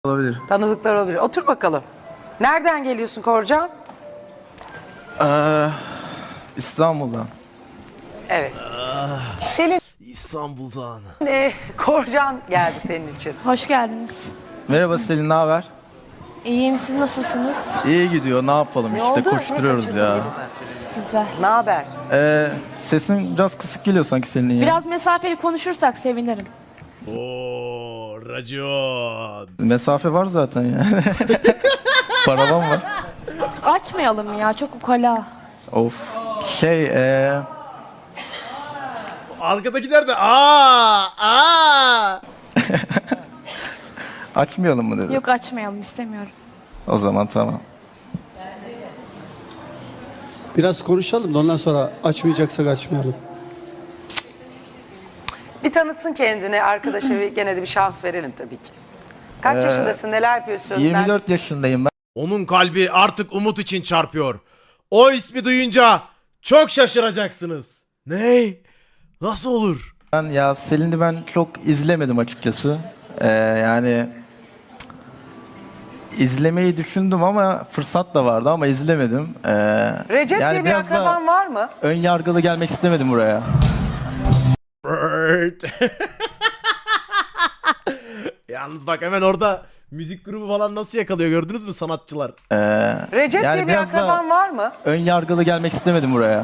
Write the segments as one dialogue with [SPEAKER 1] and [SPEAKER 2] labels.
[SPEAKER 1] Olabilir.
[SPEAKER 2] Tanıdıklar olabilir. Otur bakalım. Nereden geliyorsun Korcan?
[SPEAKER 1] İstanbul'dan.
[SPEAKER 2] Evet. Selin,
[SPEAKER 3] İstanbul'dan.
[SPEAKER 2] Korcan geldi senin için.
[SPEAKER 4] Hoş geldiniz.
[SPEAKER 1] Merhaba Selin, ne haber?
[SPEAKER 4] İyiyim, siz nasılsınız?
[SPEAKER 1] İyi gidiyor, ne yapalım
[SPEAKER 2] Ne
[SPEAKER 1] işte
[SPEAKER 2] oldu?
[SPEAKER 1] koşturuyoruz ya.
[SPEAKER 4] Güzel.
[SPEAKER 2] Ne haber?
[SPEAKER 1] Sesin biraz kısık geliyor sanki Selin'in ya.
[SPEAKER 4] Biraz mesafeli konuşursak sevinirim.
[SPEAKER 3] Oo, racon.
[SPEAKER 1] Mesafe var zaten ya. Paravan var.
[SPEAKER 4] Açmayalım ya, çok ukala.
[SPEAKER 1] Of.
[SPEAKER 3] Arkadakiler de aa.
[SPEAKER 1] Açmayalım mı dedi.
[SPEAKER 4] Yok, açmayalım, istemiyorum.
[SPEAKER 1] O zaman tamam.
[SPEAKER 5] Biraz konuşalım da ondan sonra açmayacaksak açmayalım.
[SPEAKER 2] Bir tanıtsın kendini arkadaşa ve gene de bir şans verelim tabii ki. Kaç yaşındasın, neler yapıyorsun?
[SPEAKER 1] 24 yaşındayım ben.
[SPEAKER 3] Onun kalbi artık umut için çarpıyor. O ismi duyunca çok şaşıracaksınız. Ne? Nasıl olur?
[SPEAKER 1] Ya Selin'i ben çok izlemedim açıkçası. Yani izlemeyi düşündüm ama fırsat da vardı ama izlemedim.
[SPEAKER 2] Recep
[SPEAKER 1] yani
[SPEAKER 2] diye bir
[SPEAKER 1] biraz da
[SPEAKER 2] akraban var mı?
[SPEAKER 1] ön yargılı gelmek istemedim buraya.
[SPEAKER 3] Yalnız bak hemen orada müzik grubu falan nasıl yakalıyor gördünüz mü sanatçılar?
[SPEAKER 2] Recep
[SPEAKER 1] yani
[SPEAKER 2] diye bir
[SPEAKER 1] biraz da
[SPEAKER 2] akraban var mı?
[SPEAKER 1] ön yargılı gelmek istemedim buraya.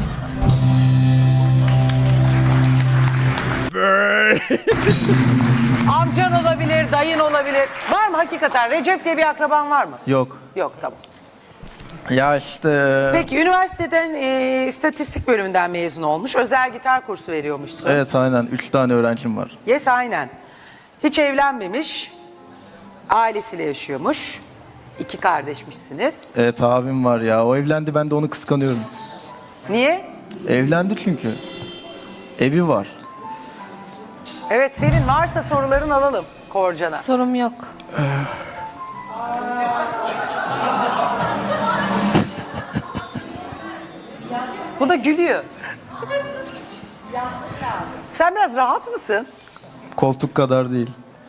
[SPEAKER 2] Amcan olabilir, dayın olabilir. Var mı hakikaten? Recep diye bir akraban var mı?
[SPEAKER 1] Yok.
[SPEAKER 2] Yok, tamam.
[SPEAKER 1] Ya işte...
[SPEAKER 2] Peki üniversiteden istatistik bölümünden mezun olmuş. Özel gitar kursu veriyormuşsun.
[SPEAKER 1] Evet aynen. 3 tane öğrencim var.
[SPEAKER 2] Yes, aynen. Hiç evlenmemiş. Ailesiyle yaşıyormuş. 2 kardeşmişsiniz.
[SPEAKER 1] Evet abim var ya. O evlendi, ben de onu kıskanıyorum.
[SPEAKER 2] Niye?
[SPEAKER 1] Evlendi çünkü. Evi var.
[SPEAKER 2] Evet, senin varsa soruların alalım Korcan'a.
[SPEAKER 4] Sorum yok.
[SPEAKER 2] Bu da gülüyor. Sen biraz rahat mısın?
[SPEAKER 1] Koltuk kadar değil.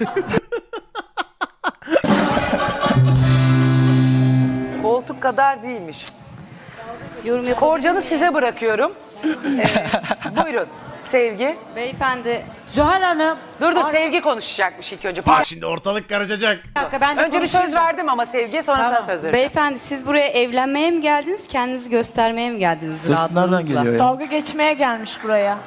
[SPEAKER 2] Koltuk kadar değilmiş.
[SPEAKER 6] Yorum
[SPEAKER 2] Korcan'ı size bırakıyorum. Buyurun Sevgi.
[SPEAKER 6] Beyefendi,
[SPEAKER 7] Zuhal Hanım.
[SPEAKER 2] Dur Sevgi konuşacakmış ilk önce.
[SPEAKER 3] Bak şimdi ortalık karışacak.
[SPEAKER 7] Bir dakika ben de
[SPEAKER 2] Önce bir söz
[SPEAKER 7] konuşayım da.
[SPEAKER 2] verdim ama Sevgi'ye sonra
[SPEAKER 7] Tamam.
[SPEAKER 2] sen söz vereceksin.
[SPEAKER 6] beyefendi siz buraya evlenmeye mi geldiniz, kendinizi göstermeye mi geldiniz
[SPEAKER 1] Ses nereden
[SPEAKER 6] rahatlığınızla?
[SPEAKER 1] geliyor ya?
[SPEAKER 4] Dalga geçmeye gelmiş buraya.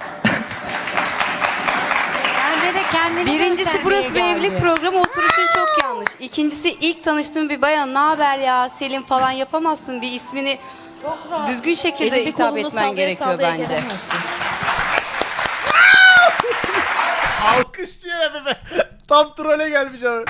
[SPEAKER 7] Bence de kendini
[SPEAKER 6] Birincisi
[SPEAKER 7] göstermeye
[SPEAKER 6] burası bir
[SPEAKER 7] geldi.
[SPEAKER 6] evlilik programı, oturuşun çok yanlış. İkincisi ilk tanıştığım bir bayan, ne haber ya Selin falan yapamazsın, bir ismini düzgün şekilde hitap etmen gerekiyor bence.
[SPEAKER 3] Alkışlıyor ya bebe. Tam trole gelmiş abi.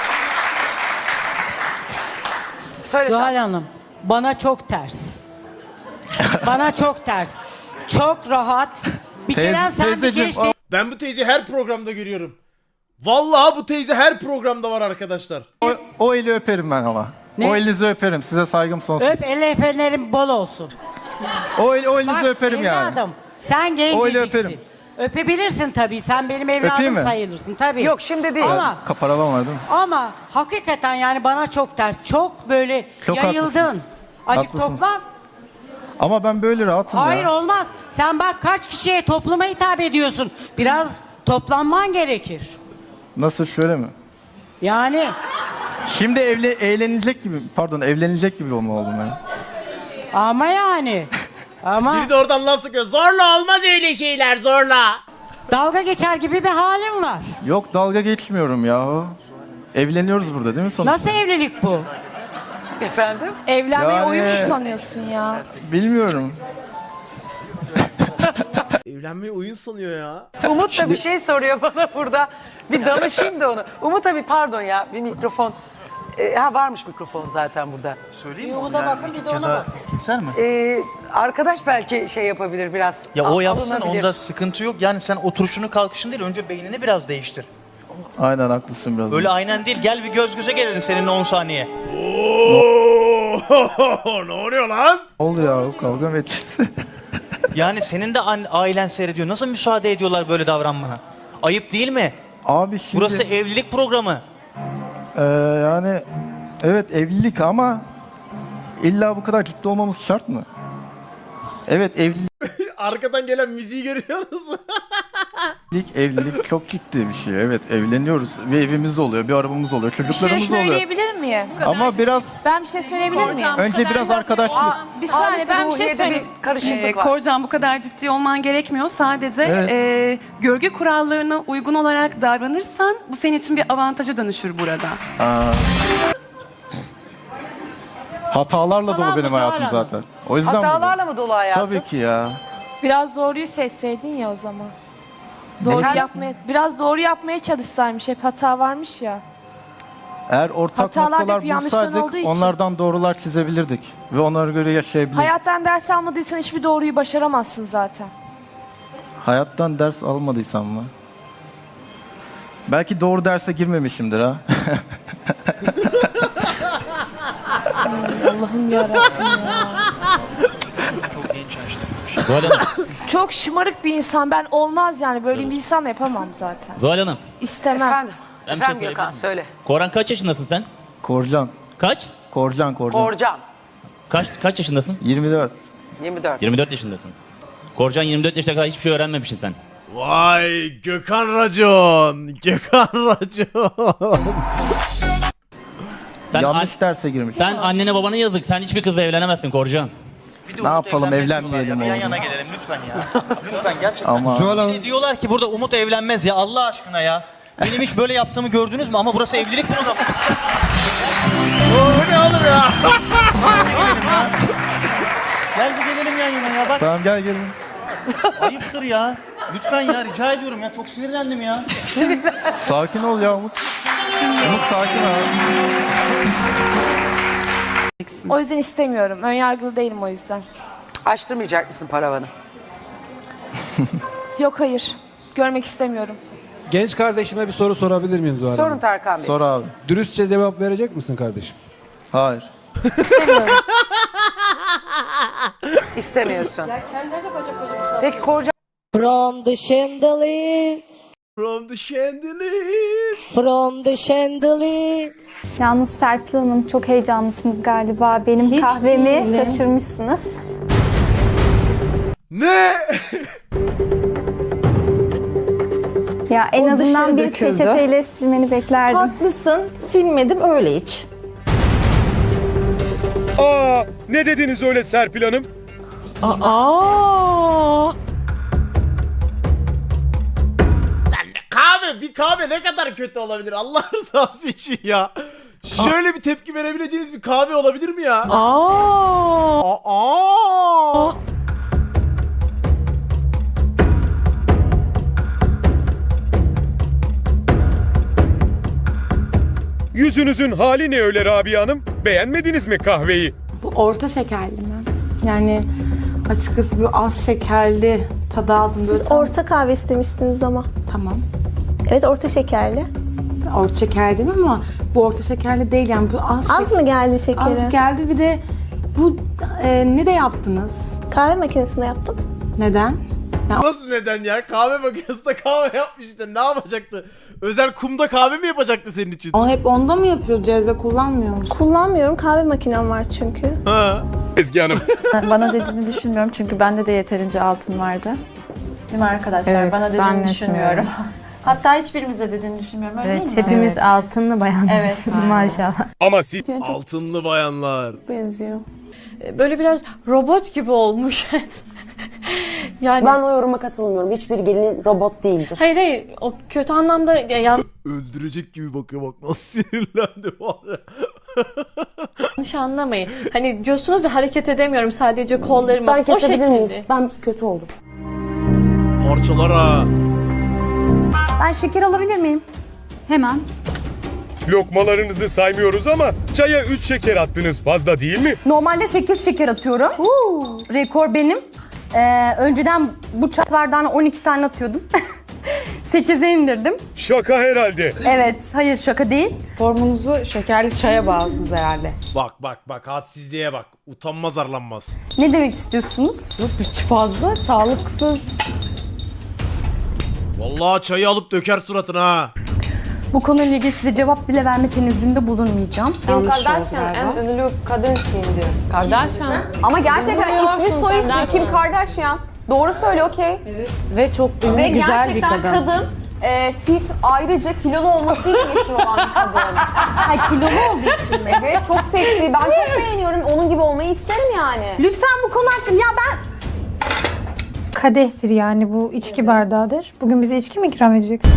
[SPEAKER 2] Söyle
[SPEAKER 7] Zuhal
[SPEAKER 2] sen.
[SPEAKER 7] Hanım bana çok ters. Bana çok ters. Çok rahat. Bir kere sen bir
[SPEAKER 1] Teyzeciğim,
[SPEAKER 7] genç değil.
[SPEAKER 3] Ben bu teyzeyi her programda görüyorum. Vallahi bu teyze her programda var arkadaşlar.
[SPEAKER 1] O eli öperim ben ama.
[SPEAKER 7] Ne?
[SPEAKER 1] O elinizi öperim. Size saygım sonsuz.
[SPEAKER 7] Öp el öpenlerin bol olsun.
[SPEAKER 1] O elinizi
[SPEAKER 7] Bak
[SPEAKER 1] öperim yani.
[SPEAKER 7] evladım sen
[SPEAKER 1] Öyle
[SPEAKER 7] genceciksin.
[SPEAKER 1] öperim.
[SPEAKER 7] Öpebilirsin tabii. Sen benim
[SPEAKER 1] Öpeyim
[SPEAKER 7] evladım
[SPEAKER 1] mi?
[SPEAKER 7] sayılırsın tabii.
[SPEAKER 2] Yok, şimdi değil.
[SPEAKER 7] Ama
[SPEAKER 1] Kaparavan var değil mi?
[SPEAKER 7] ama hakikaten yani bana çok ters. Çok böyle
[SPEAKER 1] Çok
[SPEAKER 7] yayıldın.
[SPEAKER 1] haklısınız.
[SPEAKER 7] Acık
[SPEAKER 1] Haklısınız.
[SPEAKER 7] toplan.
[SPEAKER 1] Ama ben böyle rahatım
[SPEAKER 7] Hayır
[SPEAKER 1] ya.
[SPEAKER 7] olmaz. Sen bak kaç kişiye topluma hitap ediyorsun. Biraz toplanman gerekir.
[SPEAKER 1] Nasıl, şöyle mi?
[SPEAKER 7] Yani
[SPEAKER 1] Şimdi evlenecek gibi olma oldum ben.
[SPEAKER 7] ama yani. Ama
[SPEAKER 3] Biri de oradan laf sıkıyor. Zorla olmaz öyle şeyler, zorla.
[SPEAKER 7] dalga geçer gibi bir halin var.
[SPEAKER 1] Yok, dalga geçmiyorum ya. Evleniyoruz burada değil mi sonuçta?
[SPEAKER 7] Nasıl evlilik bu?
[SPEAKER 2] Efendim?
[SPEAKER 4] Evlenmeyi
[SPEAKER 1] Yani-
[SPEAKER 4] oyun mu sanıyorsun ya?
[SPEAKER 1] Bilmiyorum.
[SPEAKER 3] Evlenmeyi oyun sanıyor ya.
[SPEAKER 2] Umut da bir şey soruyor bana burada. Bir danışayım da onu. Umut abi pardon ya, bir mikrofon. Varmış mikrofon zaten burada.
[SPEAKER 8] Söyleyeyim mi?
[SPEAKER 7] Bir
[SPEAKER 8] onu
[SPEAKER 7] ona
[SPEAKER 8] yani?
[SPEAKER 7] bakın, bir de ona bakın.
[SPEAKER 8] Keser mi?
[SPEAKER 2] Arkadaş belki şey yapabilir biraz.
[SPEAKER 8] Ya o yapsın,
[SPEAKER 2] alınabilir.
[SPEAKER 8] onda sıkıntı yok. Yani sen oturuşunu kalkışın değil, önce beynini biraz değiştir.
[SPEAKER 1] Aynen haklısın biraz.
[SPEAKER 8] Öyle aynen değil, gel bir göz göze gelelim seninle 10 saniye.
[SPEAKER 3] Oo! Ne oluyor lan?
[SPEAKER 1] Ne oldu ya? Kavga mı edeceğiz?
[SPEAKER 8] Yani senin de ailen seyrediyor. Nasıl müsaade ediyorlar böyle davranmana? Ayıp değil mi?
[SPEAKER 1] Abi şimdi...
[SPEAKER 8] Burası evlilik programı.
[SPEAKER 1] Yani evet evlilik ama illa bu kadar ciddi olmamız şart mı? Evet
[SPEAKER 3] Arkadan gelen müziği görüyor musun?
[SPEAKER 1] evlilik çok ciddi bir şey. Evet evleniyoruz. Bir evimiz oluyor, bir arabamız oluyor,
[SPEAKER 4] Bir şey
[SPEAKER 1] çocuklarımız oluyor.
[SPEAKER 4] söyleyebilir miyim?
[SPEAKER 1] Ama biraz
[SPEAKER 4] Ben bir şey söyleyebilir miyim?
[SPEAKER 1] önce biraz arkadaşlık.
[SPEAKER 4] Bir saniye ben bir şey
[SPEAKER 2] Ruhiye'de
[SPEAKER 4] söyleyeyim.
[SPEAKER 2] bir karışıklık var.
[SPEAKER 9] Korcan bu kadar ciddi olman gerekmiyor. Sadece
[SPEAKER 1] Evet.
[SPEAKER 9] görgü kurallarına uygun olarak davranırsan bu senin için bir avantaja dönüşür burada.
[SPEAKER 1] Aa. Hatalarla dolu benim
[SPEAKER 7] Zuhal
[SPEAKER 1] hayatım
[SPEAKER 7] Hanım.
[SPEAKER 1] zaten. O yüzden
[SPEAKER 2] Hatalarla mı dolu hayatım?
[SPEAKER 1] Tabii ki ya.
[SPEAKER 4] Biraz doğruyu seçseydin ya o zaman. Doğru
[SPEAKER 1] Neyse.
[SPEAKER 4] biraz doğru yapmaya çalışsaymış. Hep hata varmış ya.
[SPEAKER 1] Eğer ortak
[SPEAKER 4] Hatalar
[SPEAKER 1] noktalar
[SPEAKER 4] hep yanlışların
[SPEAKER 1] bulsaydık
[SPEAKER 4] olduğu için.
[SPEAKER 1] onlardan doğrular çizebilirdik. Ve onlara göre yaşayabilirdik.
[SPEAKER 4] Hayattan ders almadıysan hiçbir doğruyu başaramazsın zaten.
[SPEAKER 1] Hayattan ders almadıysam mı? Belki doğru derse girmemişimdir ha.
[SPEAKER 4] Allah'ım yarabbim ya.
[SPEAKER 8] Çok genç yaşta.
[SPEAKER 4] Çok şımarık bir insan. Ben olmaz yani. Böyle bir insanla yapamam zaten.
[SPEAKER 10] Zuhal Hanım,
[SPEAKER 4] İstemem.
[SPEAKER 2] Efendim?
[SPEAKER 10] Ben bir şey
[SPEAKER 2] Efendim Gökhan
[SPEAKER 10] söyleyebilir
[SPEAKER 2] söyle.
[SPEAKER 10] Koran kaç yaşındasın sen?
[SPEAKER 1] Korcan.
[SPEAKER 10] Kaç?
[SPEAKER 1] Korcan.
[SPEAKER 2] Korcan
[SPEAKER 10] Kaç yaşındasın?
[SPEAKER 1] 24.
[SPEAKER 2] 24.
[SPEAKER 10] 24 yaşındasın. Korcan 24 yaşına kadar hiçbir şey öğrenmemişsin sen.
[SPEAKER 3] Vay Gökhan Racon. Gökhan Racon.
[SPEAKER 10] Sen,
[SPEAKER 1] Yanlış derse girmiş.
[SPEAKER 10] sen annene babana yazık. Sen hiçbir kızla evlenemezsin Korcan.
[SPEAKER 8] Bir de
[SPEAKER 1] Ne
[SPEAKER 8] Umut
[SPEAKER 1] yapalım,
[SPEAKER 8] evlenmez
[SPEAKER 1] evlenmeyelim
[SPEAKER 8] diyorlar ya. Yan
[SPEAKER 1] oğlum.
[SPEAKER 8] yana gelelim lütfen ya. Lütfen gerçekten.
[SPEAKER 1] Ama
[SPEAKER 5] Zuhal Hanım,
[SPEAKER 8] Bir de diyorlar ki burada Umut evlenmez ya Allah aşkına ya. Benim hiç böyle yaptığımı gördünüz mü? Ama burası evlilik programı.
[SPEAKER 3] Bu ne oğlum ya?
[SPEAKER 8] Gel bir gelelim yan yana ya. Bak
[SPEAKER 1] tamam gel gelin.
[SPEAKER 8] ayıptır ya. Lütfen ya rica ediyorum ya. Çok sinirlendim ya.
[SPEAKER 1] Sakin ol ya Umut. Umut sakin ol.
[SPEAKER 4] O yüzden istemiyorum. Önyargılı değilim o yüzden.
[SPEAKER 2] Açtırmayacak mısın paravanı?
[SPEAKER 4] Yok hayır. Görmek istemiyorum.
[SPEAKER 5] genç kardeşime bir soru sorabilir miyim Zuhal
[SPEAKER 2] Sorun
[SPEAKER 5] Hanım?
[SPEAKER 2] Tarkan Bey.
[SPEAKER 1] Sor abi.
[SPEAKER 5] Dürüstçe cevap verecek misin kardeşim?
[SPEAKER 1] Hayır.
[SPEAKER 4] İstemiyorum.
[SPEAKER 2] İstemiyorsun. Peki Korcan
[SPEAKER 11] From the chandelier,
[SPEAKER 3] From the chandelier.
[SPEAKER 11] from the chandelier.
[SPEAKER 12] Yalnız Serpil Hanım çok heyecanlısınız galiba. Benim
[SPEAKER 7] Hiç
[SPEAKER 12] kahvemi
[SPEAKER 7] değilim.
[SPEAKER 12] taşırmışsınız.
[SPEAKER 3] Ne?
[SPEAKER 12] Ya en
[SPEAKER 7] O
[SPEAKER 12] azından
[SPEAKER 7] dışarı
[SPEAKER 12] bir
[SPEAKER 7] döküldü.
[SPEAKER 12] peçeteyle silmeni beklerdim.
[SPEAKER 7] Haklısın. Silmedim öyle hiç.
[SPEAKER 13] Aa, ne dediniz öyle Serpil Hanım?
[SPEAKER 3] Bir kahve ne kadar kötü olabilir Allah rızası için ya. Şöyle bir tepki verebileceğiniz bir kahve olabilir mi ya? Aa.
[SPEAKER 13] Yüzünüzün hali ne öyle Rabia Hanım? Beğenmediniz mi kahveyi?
[SPEAKER 9] Bu orta şekerli mi? Yani açıkçası bu az şekerli tadı aldım böyle.
[SPEAKER 12] Orta kahve istemiştiniz ama.
[SPEAKER 9] Tamam.
[SPEAKER 12] Evet orta şekerli.
[SPEAKER 9] Orta şeker değil mi ama bu orta şekerli değil yani bu az
[SPEAKER 12] Az mı geldi şekeri?
[SPEAKER 9] Az geldi bir de bu ne de yaptınız?
[SPEAKER 12] Kahve makinesinde yaptım.
[SPEAKER 9] Neden?
[SPEAKER 3] Nasıl neden ya? Kahve makinesinde kahve yapmış işte. Ne yapacaktı? Özel kumda kahve mi yapacaktı senin için?
[SPEAKER 9] O hep onda mı yapıyor cezve kullanmıyor musun?
[SPEAKER 12] Kullanmıyorum. Kahve makinem var çünkü.
[SPEAKER 3] Ha.
[SPEAKER 13] Ezgi Hanım.
[SPEAKER 12] Bana dediğini düşünmüyorum çünkü bende de yeterince altın vardı. Değil mi arkadaşlar? Bana dediğini düşünmüyorum. Hatta hiçbirimize dediğini düşünmüyorum. Öyle değil mi?
[SPEAKER 11] Hepimiz altınlı bayanlarız maşallah.
[SPEAKER 13] Ama siz
[SPEAKER 3] Altınlı bayanlar.
[SPEAKER 11] Benziyor.
[SPEAKER 7] Böyle biraz robot gibi olmuş. Yani
[SPEAKER 11] Ben o yoruma katılmıyorum. Hiçbir gelin robot değildir.
[SPEAKER 7] hayır o kötü anlamda
[SPEAKER 3] Öldürecek gibi bakıyor bak nasıl sinirlendi var ya.
[SPEAKER 7] yanlış anlamayın. Hani diyorsunuz ya hareket edemiyorum sadece kollarımı.
[SPEAKER 11] Ben
[SPEAKER 7] O
[SPEAKER 11] kesebilir miyiz?
[SPEAKER 7] şekilde.
[SPEAKER 11] Ben kötü oldum.
[SPEAKER 3] Parçalar ha.
[SPEAKER 12] Ben şeker alabilir miyim? Hemen.
[SPEAKER 13] lokmalarınızı saymıyoruz ama çaya 3 şeker attınız fazla değil mi?
[SPEAKER 11] Normalde 8 şeker atıyorum. Rekor benim. Önceden bu çay bardağına 12 tane atıyordum. 8'e indirdim.
[SPEAKER 13] Şaka herhalde.
[SPEAKER 11] Evet, hayır şaka değil.
[SPEAKER 12] Formunuzu şekerli çaya bağlısınız herhalde.
[SPEAKER 3] Bak hadsizliğe bak. Utanmaz arlanmaz.
[SPEAKER 11] Ne demek istiyorsunuz?
[SPEAKER 12] Yok hiç fazla sağlıksız.
[SPEAKER 3] Vallahi çayı alıp döker suratına ha.
[SPEAKER 11] Bu konuyla ilgili size cevap bile verme tenezzülünde bulunmayacağım.
[SPEAKER 9] Kim Kardashian en ünlü kadın şimdi. Kardashian.
[SPEAKER 11] Ama gerçekten ismi soy ismi Kim Kardashian. Doğru söyle okey.
[SPEAKER 9] Ve çok ünlü,
[SPEAKER 11] Ve
[SPEAKER 9] güzel bir
[SPEAKER 11] gerçekten
[SPEAKER 9] kadın.
[SPEAKER 11] fit ayrıca kilolu olmasıyla meşhur olan bir kadın. Ha kilolu olduğu için mi? Evet çok seksi. Ben çok beğeniyorum. Onun gibi olmayı isterim yani. Lütfen bu konu hakkında ya ben...
[SPEAKER 9] Kadehtir yani bu içki bardağıdır. Bugün bize içki mi ikram edeceksin?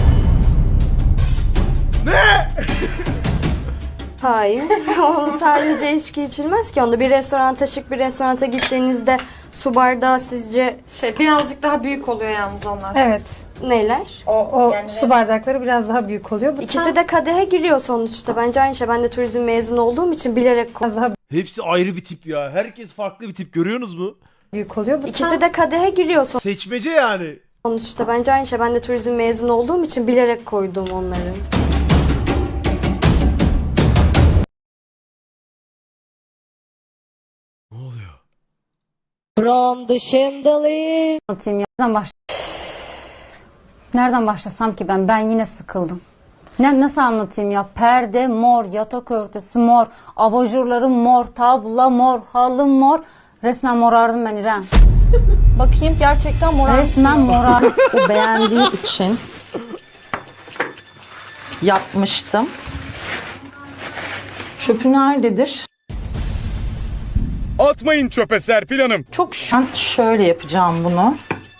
[SPEAKER 11] Hayır. Sadece içki içilmez ki. Onda bir restoranta, şık bir restoranta gittiğinizde su bardağı sizce
[SPEAKER 9] Birazcık daha büyük oluyor yalnız onlar.
[SPEAKER 11] evet. Neler?
[SPEAKER 9] O su bardakları biraz daha büyük oluyor. Bu
[SPEAKER 11] İkisi de kadehe giriyor sonuçta. Bence aynı şey. Ben de turizm mezunu olduğum için bilerek
[SPEAKER 9] biraz daha
[SPEAKER 3] Hepsi ayrı bir tip ya. Herkes farklı bir tip, görüyorsunuz mu?
[SPEAKER 9] büyük oluyor. Bu
[SPEAKER 11] İkisi de kadehe giriyor
[SPEAKER 3] Seçmece yani.
[SPEAKER 11] sonuçta. Bence aynı şey. Ben de turizm mezunu olduğum için bilerek koydum onları.
[SPEAKER 3] Ne oluyor?
[SPEAKER 4] From the chandelier.
[SPEAKER 11] Anlatayım ya. Nereden başlasam ki ben? Ben yine sıkıldım. Nasıl anlatayım ya? Perde mor, yatak örtüsü mor, abajurları mor, tablo mor, halı mor. Resmen morardım ben İrem.
[SPEAKER 4] Bakayım gerçekten moral.
[SPEAKER 11] Resmen morardım.
[SPEAKER 7] Bu beğendiği için yapmıştım. Çöpü nerededir?
[SPEAKER 13] Atmayın çöpe Serpil Hanım.
[SPEAKER 7] Çok şöyle yapacağım bunu.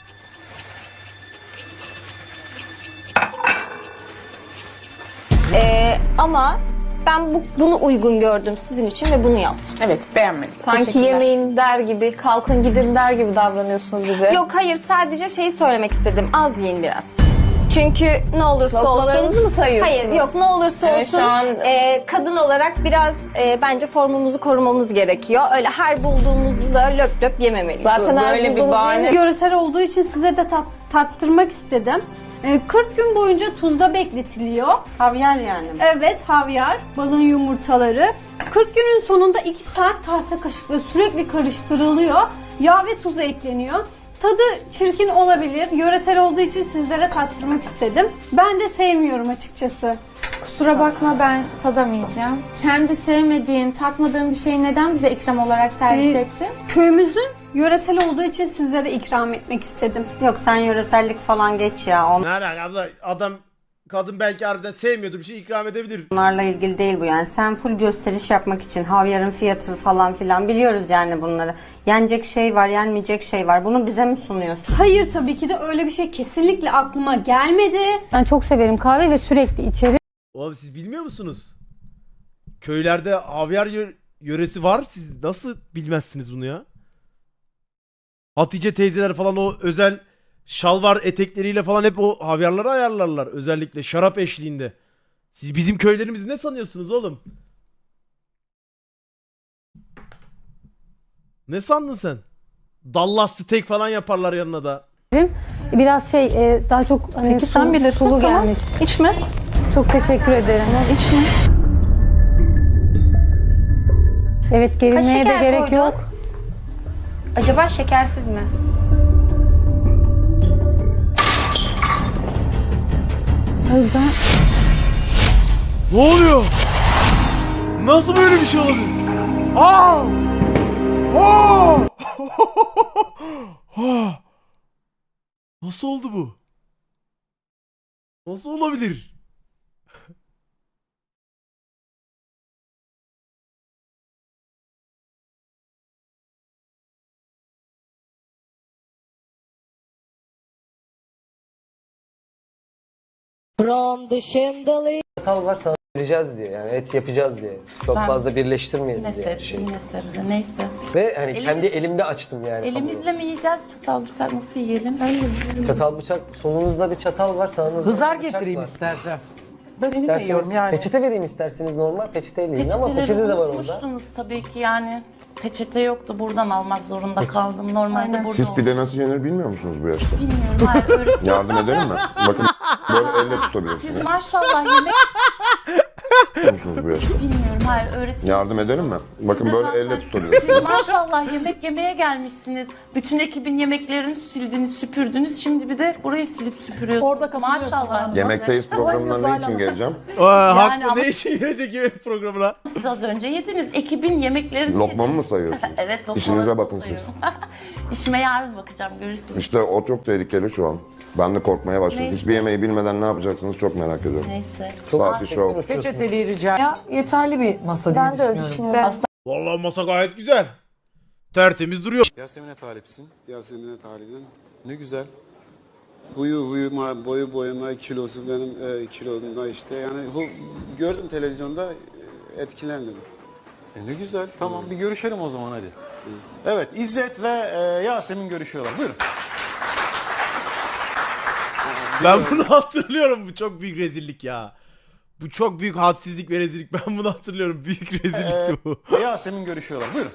[SPEAKER 11] Ama ben bunu uygun gördüm sizin için ve bunu yaptım.
[SPEAKER 2] Evet beğenmedim.
[SPEAKER 11] Sanki yemeğin der gibi, kalkın gidin der gibi davranıyorsunuz bize. Yok hayır sadece şeyi söylemek istedim. Az yiyin biraz. Çünkü ne olursa olsun... mı sayıyorsunuz? Hayır yok ne olursa
[SPEAKER 9] Evet,
[SPEAKER 11] olsun
[SPEAKER 9] şu an-
[SPEAKER 11] kadın olarak biraz bence formumuzu korumamız gerekiyor. Öyle her bulduğumuzu da löp löp yememeliyiz.
[SPEAKER 9] Zaten her
[SPEAKER 11] böyle bir
[SPEAKER 9] bulduğumuz
[SPEAKER 11] bahane.
[SPEAKER 9] Görsel olduğu için size de tattırmak istedim. 40 gün boyunca tuzda bekletiliyor.
[SPEAKER 7] Havyar yani.
[SPEAKER 9] Evet, havyar, balın yumurtaları. 40 günün sonunda 2 saat tahta kaşıkla sürekli karıştırılıyor. Yağ ve tuz ekleniyor. Tadı çirkin olabilir. Yöresel olduğu için sizlere tattırmak istedim. Ben de sevmiyorum açıkçası. Kusura bakma ben tadamayacağım. Kendi sevmediğin, tatmadığın bir şeyi neden bize ikram olarak servis ettin? Köyümüzün yöresel olduğu için sizlere ikram etmek istedim.
[SPEAKER 7] Yok sen yöresellik falan geç ya.
[SPEAKER 3] Ne alaka abla, kadın belki harbiden sevmiyordu, bir şey ikram edebilir.
[SPEAKER 7] Onlarla ilgili değil bu yani. Sen full gösteriş yapmak için havyarın fiyatı falan filan biliyoruz yani bunları. Yenecek şey var, yenmeyecek şey var. Bunu bize mi sunuyorsun?
[SPEAKER 9] Hayır tabii ki de öyle bir şey kesinlikle aklıma gelmedi.
[SPEAKER 11] Ben çok severim kahve ve sürekli içerim.
[SPEAKER 3] Oğlum siz bilmiyor musunuz? Köylerde havyar yöresi var. Siz nasıl bilmezsiniz bunu ya? Hatice teyzeler falan o özel şalvar etekleriyle falan hep o havyarları ayarlarlar. Özellikle şarap eşliğinde. Siz bizim köylerimizi ne sanıyorsunuz oğlum? Ne sandın sen? Dallas steak falan yaparlar yanına da.
[SPEAKER 11] Biraz daha çok hani
[SPEAKER 7] Peki sen bilirsin,
[SPEAKER 11] sulu
[SPEAKER 7] tamam.
[SPEAKER 11] gelmiş.
[SPEAKER 7] İçme.
[SPEAKER 11] Çok teşekkür ederim.
[SPEAKER 7] İçme.
[SPEAKER 11] Evet gerilmeye de
[SPEAKER 9] şeker
[SPEAKER 11] gerek
[SPEAKER 9] koydun?
[SPEAKER 11] yok.
[SPEAKER 9] Acaba şekersiz mi?
[SPEAKER 11] Hayır ben...
[SPEAKER 3] Ne oluyor? Nasıl böyle bir şey olabilir? Aa! Aa! Nasıl oldu bu? Nasıl olabilir?
[SPEAKER 4] From the chandelier.
[SPEAKER 14] Çatal var sana vereceğiz diye yani et yapacağız diye. Çok fazla birleştirmeyelim diye.
[SPEAKER 12] Yine sebze neyse.
[SPEAKER 14] Ve hani kendi elimde açtım yani.
[SPEAKER 12] Elimizle mi yiyeceğiz? Çatal bıçak nasıl yiyelim?
[SPEAKER 14] Çatal bıçak solunuzda bir çatal var sağınızda
[SPEAKER 2] Hızar
[SPEAKER 14] bir bıçak
[SPEAKER 2] getireyim
[SPEAKER 14] var.
[SPEAKER 2] istersen.
[SPEAKER 14] İsterseniz peçete vereyim isterseniz normal peçeteyle yiyin ama peçete de var orada.
[SPEAKER 12] Unutmuştunuz tabii ki yani. Peçete yoktu. Buradan almak zorunda kaldım. Normalde burada
[SPEAKER 13] Siz pide nasıl yenir bilmiyor musunuz bu yaşta?
[SPEAKER 12] Bilmiyorum. Hayır öğretiyorum.
[SPEAKER 13] Yardım ederim mi? Bakın böyle elle tutabilirsiniz.
[SPEAKER 12] Siz maşallah yemek Bilmiyorum, hayır öğretim.
[SPEAKER 15] Yardım edelim mi? Bakın
[SPEAKER 12] de
[SPEAKER 15] böyle
[SPEAKER 12] zaten-
[SPEAKER 15] elle tutabilirsiniz.
[SPEAKER 12] Siz maşallah yemek yemeye gelmişsiniz. Bütün ekibin yemeklerini sildiniz, süpürdünüz. Şimdi bir de burayı silip süpürüyorsunuz. Orada maşallah.
[SPEAKER 15] Yemekteyiz programına ne için geleceğim?
[SPEAKER 3] Haklı
[SPEAKER 12] ama-
[SPEAKER 3] ne işe gelecek yemek programına?
[SPEAKER 12] Siz az önce yediniz. Ekibin yemeklerini
[SPEAKER 15] Lokmamı mı sayıyorsunuz?
[SPEAKER 12] Evet, lokmamı
[SPEAKER 15] İşinize bakın siz.
[SPEAKER 12] sayıyorum. İşime yarın bakacağım, görürsünüz.
[SPEAKER 15] İşte o çok tehlikeli şu an. Ben de korkmaya başladım.
[SPEAKER 12] Neyse.
[SPEAKER 15] Hiçbir yemeği bilmeden ne yapacaksınız çok merak ediyorum.
[SPEAKER 12] Neyse.
[SPEAKER 15] Saati şov.
[SPEAKER 2] Peçeteliği rica.
[SPEAKER 16] Ya yeterli bir masa diye düşünüyorum.
[SPEAKER 3] Vallahi masa gayet güzel. Tertemiz duruyor.
[SPEAKER 5] Yasemin'e talipsin. Yasemin'e talibim. Ne güzel. Boyu boyuma, kilosu benim kilomda işte. Yani bu gördüm televizyonda etkilendim.
[SPEAKER 17] Ne güzel. Tamam bir görüşelim o zaman hadi. Evet İzzet ve Yasemin görüşüyorlar. Buyurun.
[SPEAKER 3] Ben bunu hatırlıyorum. Bu çok büyük rezillik ya. Bu çok büyük hadsizlik ve rezillik. Ben bunu hatırlıyorum. Büyük rezillikti bu.
[SPEAKER 17] Yasemin görüşüyorlar. Buyurun.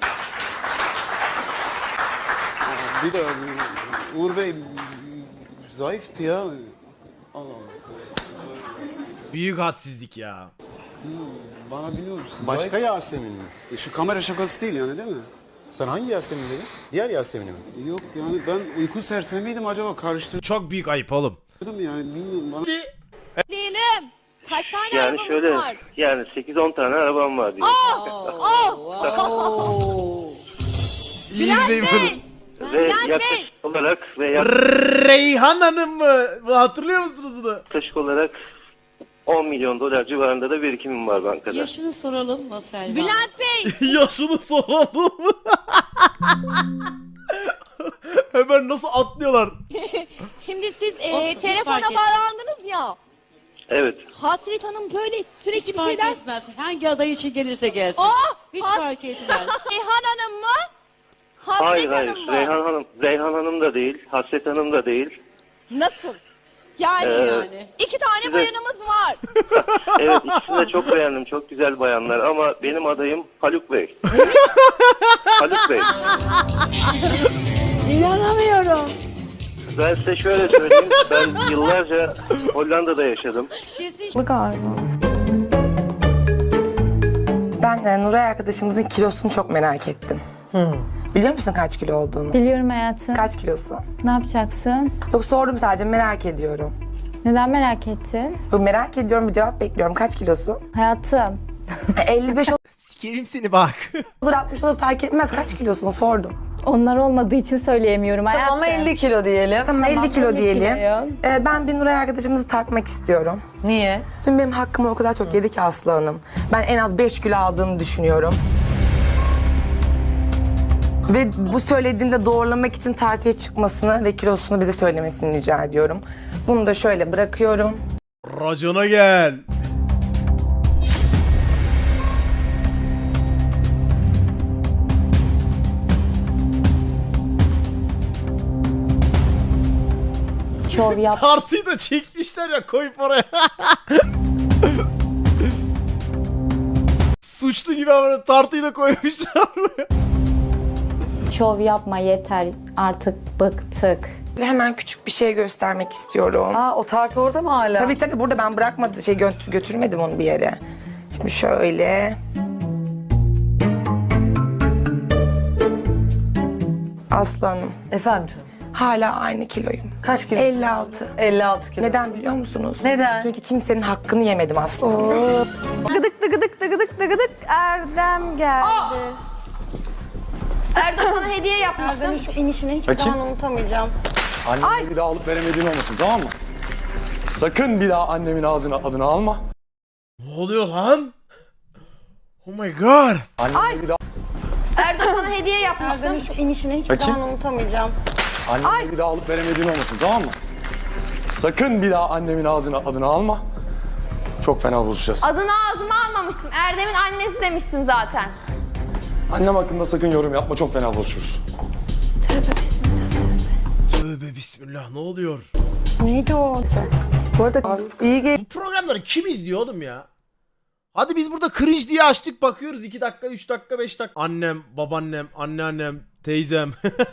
[SPEAKER 5] Bir de Uğur Bey zayıftı ya. Allah Allah.
[SPEAKER 3] Büyük hadsizlik ya.
[SPEAKER 5] Bana biliyor musun?
[SPEAKER 17] Başka Yasemin mi?
[SPEAKER 5] Şu kamera şakası değil yani değil mi?
[SPEAKER 17] Sen hangi Yasemin dedin? Diğer Yasemin'i mi?
[SPEAKER 5] Yok yani ben uyku sersemiydim acaba karıştırdım
[SPEAKER 3] Çok büyük ayıp oğlum.
[SPEAKER 5] yani bilmiyorum bana.
[SPEAKER 6] Değilim. Kaç tane
[SPEAKER 18] Yani
[SPEAKER 6] arabamız
[SPEAKER 18] şöyle
[SPEAKER 6] var?
[SPEAKER 18] yani 8-10 tane arabam var diye.
[SPEAKER 3] İyi izleyin bunu.
[SPEAKER 18] Ve yaklaşık olarak
[SPEAKER 3] Reyhan Hanım mı? Bunu hatırlıyor musunuz bunu?
[SPEAKER 18] yaklaşık olarak 10 milyon dolar civarında da birikimim var bankada.
[SPEAKER 6] Yaşını soralım mı Selma? Bülent Bey.
[SPEAKER 3] Yaşını soralım. Hemen nasıl atlıyorlar?
[SPEAKER 6] Şimdi siz telefona bağlandınız ya.
[SPEAKER 18] Evet.
[SPEAKER 6] Hasret Hanım böyle sürekli bir şeyler... etmez. Hangi aday için gelirse gelsin. Hiç fark etmez. Reyhan Hanım mı? Hasret
[SPEAKER 18] Hayır
[SPEAKER 6] Hanım mı?
[SPEAKER 18] Reyhan Hanım da değil, Hasret Hanım da değil.
[SPEAKER 6] Nasıl? Yani. İki tane
[SPEAKER 18] size-
[SPEAKER 6] bayanımız var.
[SPEAKER 18] Evet ikisini de çok beğendim. Çok güzel bayanlar ama benim adayım Haluk Bey. Haluk Bey.
[SPEAKER 6] İnanamıyorum.
[SPEAKER 18] Ben size şöyle söyleyeyim. Ben yıllarca Hollanda'da yaşadım.
[SPEAKER 16] Ben Nuray arkadaşımızın kilosunu çok merak ettim. Biliyor musun kaç kilo olduğunu?
[SPEAKER 12] Biliyorum hayatım.
[SPEAKER 16] Kaç kilosu?
[SPEAKER 12] Ne yapacaksın?
[SPEAKER 16] Yok sordum sadece merak ediyorum.
[SPEAKER 12] Neden merak ettin?
[SPEAKER 16] Yok, merak ediyorum bir cevap bekliyorum. Kaç kilosu?
[SPEAKER 12] Hayatım.
[SPEAKER 16] 55
[SPEAKER 3] Sikerim seni bak.
[SPEAKER 16] olur 60 olur fark etmez kaç kilosunu sordum.
[SPEAKER 12] Onlar olmadığı için söyleyemiyorum hayatım.
[SPEAKER 16] Tamam 50 kilo diyelim. Tamam 50 kilo
[SPEAKER 12] 50
[SPEAKER 16] diyelim.
[SPEAKER 12] kiloyum.
[SPEAKER 16] Ben bir Nuray arkadaşımızı tartmak istiyorum.
[SPEAKER 14] Niye?
[SPEAKER 16] Dün benim hakkımı o kadar çok yedi ki Aslı Hanım. Ben en az 5 kilo aldığını düşünüyorum. Ve bu söylediğimde doğrulamak için tartıya çıkmasını ve kilosunu bize söylemesini rica ediyorum. Bunu da şöyle bırakıyorum.
[SPEAKER 3] Racona gel.
[SPEAKER 12] Şov yap.
[SPEAKER 3] Tartıyı da çekmişler ya koyup oraya. Suçlu gibi ama tartıyı da koymuşlar oraya.
[SPEAKER 12] Şov yapma yeter. Artık bıktık.
[SPEAKER 16] Hemen küçük bir şey göstermek istiyorum.
[SPEAKER 14] O tart orada mı hala?
[SPEAKER 16] Tabii burada ben bırakmadım, götürmedim onu bir yere. Şimdi şöyle. Aslı Hanım.
[SPEAKER 14] Efendim canım.
[SPEAKER 16] Hala aynı kiloyum.
[SPEAKER 14] Kaç kilo?
[SPEAKER 16] 56.
[SPEAKER 14] 56 kilo.
[SPEAKER 16] Neden biliyor musunuz?
[SPEAKER 14] Neden?
[SPEAKER 16] Çünkü kimsenin hakkını yemedim Aslı Hanım.
[SPEAKER 12] Gıdık dıgıdık dıgıdık dıgıdık Erdem geldi.
[SPEAKER 6] Erdoğan sana hediye yapmıştım.
[SPEAKER 7] Şu inişini hiçbir zaman unutamayacağım.
[SPEAKER 17] Annemi bir daha alıp veremediğin olmasın tamam mı? Sakın bir daha annemin ağzına adını alma.
[SPEAKER 3] Ne oluyor lan? Oh my god.
[SPEAKER 17] Annemi bir daha
[SPEAKER 6] Erdoğan sana hediye yapmıştım.
[SPEAKER 7] Şu inişini hiçbir zaman unutamayacağım.
[SPEAKER 17] annemi bir daha alıp veremediğin olmasın tamam mı? Sakın bir daha annemin ağzına adını alma. Çok fena bozacağız.
[SPEAKER 6] Adını ağzıma almamıştım. Erdem'in annesi demiştim zaten.
[SPEAKER 17] Annem hakkında sakın yorum yapma çok fena bozuyoruz.
[SPEAKER 3] Tövbe bismillah ne oluyor?
[SPEAKER 16] Neydi o?
[SPEAKER 14] Bu arada iyi
[SPEAKER 3] Bu programları kim izliyor oğlum ya? Hadi biz burada cringe diye açtık bakıyoruz 2 dakika 3 dakika 5 dakika. Annem, babaannem, anneannem, teyzem.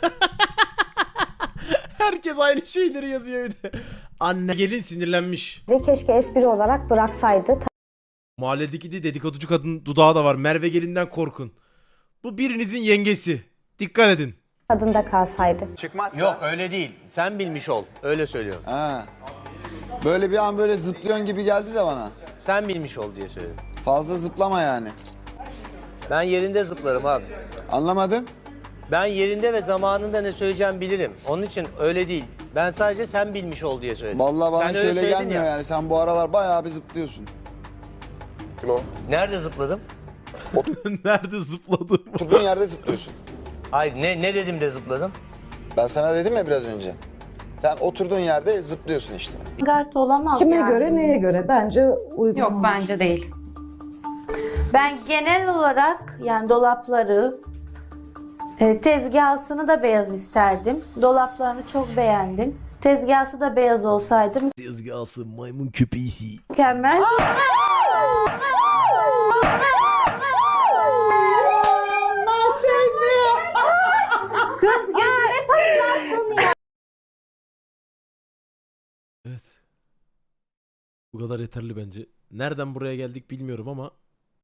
[SPEAKER 3] Herkes aynı şeyleri yazıyor bir de. Anne gelin sinirlenmiş.
[SPEAKER 12] Keşke espri olarak bıraksaydı.
[SPEAKER 3] Mahalledeki de dedikoducu kadın dudağı da var. Merve Gelin'den korkun. Bu birinizin yengesi. Dikkat edin.
[SPEAKER 19] Kadında kalsaydı.
[SPEAKER 14] Yok öyle değil. Sen bilmiş ol. Öyle söylüyorum.
[SPEAKER 20] Ha. Böyle bir an böyle zıplıyorsun gibi geldi de bana.
[SPEAKER 14] Sen bilmiş ol diye söyledim.
[SPEAKER 20] Fazla zıplama yani.
[SPEAKER 14] Ben yerinde zıplarım abi.
[SPEAKER 20] Anlamadım.
[SPEAKER 14] Ben yerinde ve zamanında ne söyleyeceğimi bilirim. Onun için öyle değil. Ben sadece sen bilmiş ol diye söyledim.
[SPEAKER 20] Vallahi bana
[SPEAKER 14] Sen
[SPEAKER 20] hiç
[SPEAKER 14] öyle
[SPEAKER 20] öyle
[SPEAKER 14] söyledin
[SPEAKER 20] gelmiyor
[SPEAKER 14] ya.
[SPEAKER 20] yani. Sen bu aralar bayağı bir zıplıyorsun.
[SPEAKER 17] Kim o?
[SPEAKER 14] Nerede zıpladım?
[SPEAKER 3] Nerede zıpladım?
[SPEAKER 20] Oturduğun yerde zıplıyorsun.
[SPEAKER 14] Hayır ne dedim de zıpladım?
[SPEAKER 20] Ben sana dedim ya biraz önce. Sen oturduğun yerde zıplıyorsun işte.
[SPEAKER 19] Gart olamaz
[SPEAKER 21] Kime
[SPEAKER 19] yani.
[SPEAKER 21] göre neye göre bence uygun
[SPEAKER 12] Yok
[SPEAKER 21] olmuş.
[SPEAKER 12] bence değil.
[SPEAKER 19] Ben genel olarak yani dolapları, tezgahını da beyaz isterdim. Dolaplarını çok beğendim. Tezgahı da beyaz olsaydı
[SPEAKER 3] Tezgahsı maymun köpeğisi.
[SPEAKER 19] mükemmel. Kız gel.
[SPEAKER 3] Evet. Bu kadar yeterli bence. Nereden buraya geldik bilmiyorum ama